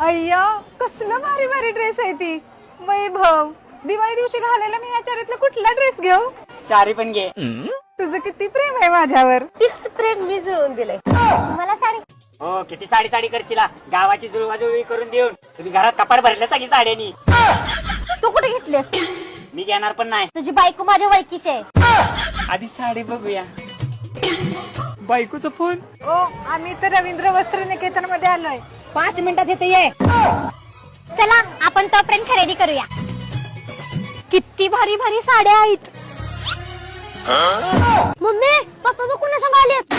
अय्या कसला भारी भारी ड्रेस आहे ती. वैभव, दिवाळी दिवशी घालायला मी या चारीतला कुठला ड्रेस घेऊ? चारी पण घे. तुझं किती प्रेम आहे माझ्यावर. तीच प्रेम मी जुळवून दिलंय. मला साडी. हो किती साडी साडी करशीला, गावाची जुळवाजुळवी करून देऊन तुम्ही घरात कपाट भरल्या सगळी साड्यांनी. तू कुठे घेतलीस? मी घेणार पण नाही. तुझी बायको माझ्या वळखीची आहे. आधी साडी बघूया. बायकोचा फोन. ओ, आम्ही तर रवींद्र वस्त्र निकेतन मध्ये आलोय. 5 मिनिटात येते ये. चला आपण तोपर्यंत खरेदी करूया. किती भारी भारी साड्या आहेत. मम्मी पप्पा बघ कुणा संग आलेत.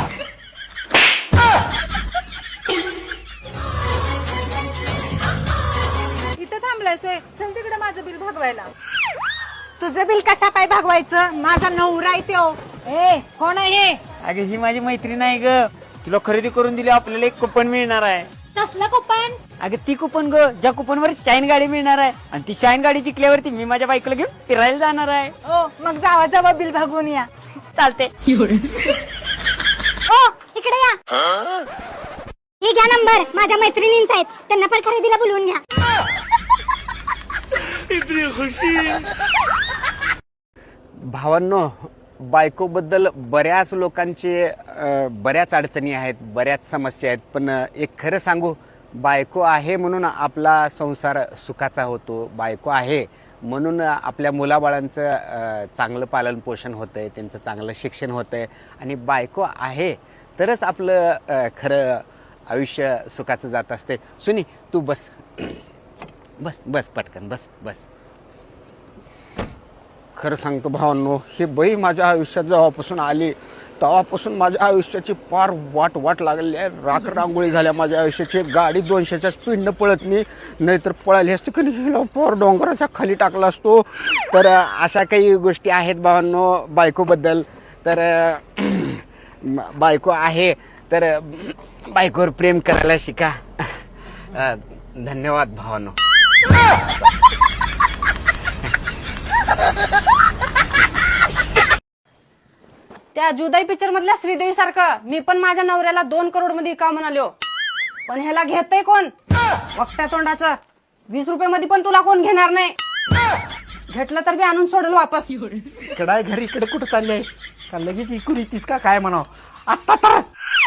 इथं थांबलाय सोय. चल तिकडे माझं बिल भागवायला. तुझं बिल कशा पाय भागवायचं? माझा नवरा आहे त्यो. ए, कोण आहे? अगे ही माझी मैत्रीण आहे ग. तुला खरेदी करून दिली आपल्याला एक कुपन मिळणार आहे. कसला कुपन? अगं ती कुपन ग, ज्या कुपन वर शाईन गाडी मिळणार आहे. आणि ती शाईन गाडी जिंकल्यावरती मी माझ्या बायकोला घेऊन फिरायला जाणार आहे. ओ, मग जावा जावा बिल भागवून या. चालते. ओ इकडे या. हे घ्या नंबर, माझ्या मैत्रिणींचा आहेत. त्यांना पण खरेदीला बोलवून घ्या. भावांनो, बायकोबद्दल बऱ्याच लोकांचे बऱ्याच अडचणी आहेत, बऱ्याच समस्या आहेत. पण एक खरं सांगू, बायको आहे म्हणून आपला संसार सुखाचा होतो. बायको आहे म्हणून आपल्या मुलाबाळांचं चांगलं पालनपोषण होतं आहे, त्यांचं चांगलं शिक्षण होतं आहे. आणि बायको आहे तरच आपलं खरं आयुष्य सुखाचं जात असते. सुनी, तू बस बस बस पटकन बस बस. खरं सांगतो भावांनो, हे बाई माझ्या आयुष्यात जेव्हापासून आली तेव्हापासून माझ्या आयुष्याची फार वाट लागलेली आहे. रांगोळी झाल्या माझ्या आयुष्याची. गाडी 200च्या स्पीडनं पळत नाही तर पळाली असते की नाही, फार डोंगराच्या खाली टाकला असतो. तर अशा काही गोष्टी आहेत भावांनो बायकोबद्दल. तर बायको आहे तर बायकोवर प्रेम करायला शिका. धन्यवाद भावांनो. त्या जुदाई पिक्चर मधल्या श्रीदेवी सारखं मी पण माझ्या नवऱ्याला 2 करोड मध्ये का म्हणालो. पण ह्याला घेतय कोण? वक्त्या तोंडाचं. 20 रुपये मध्ये पण तुला कोण घेणार नाही. घेतलं तर बी आणून सोडेल वापस. इकडे घरी इकडे कुठं चालली आहेस का? लगेच इकून येतीस का काय म्हणाव आता तर.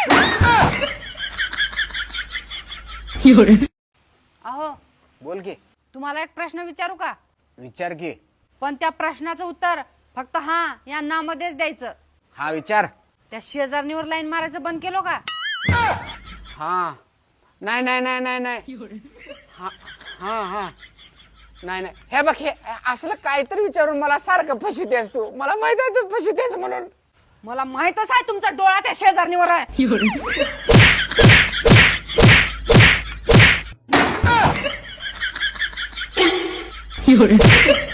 अहो बोल की. तुम्हाला एक प्रश्न विचारू का? विचार की. पण त्या प्रश्नाचं उत्तर फक्त हा या ना मध्येच द्यायचं. हा विचार. त्या शेजारणीवर लाईन मारायचं बंद केलो का? हा नाही नाही नाही नाही नाही. हा हा हा नाही नाही. हे बघ, हे असलं काहीतरी विचारून मला सारखं फसवतेस तू. मला माहित आहे तू फसवतेस म्हणून. मला माहितच आहे तुमचा डोळा त्या शेजारणीवर आहे.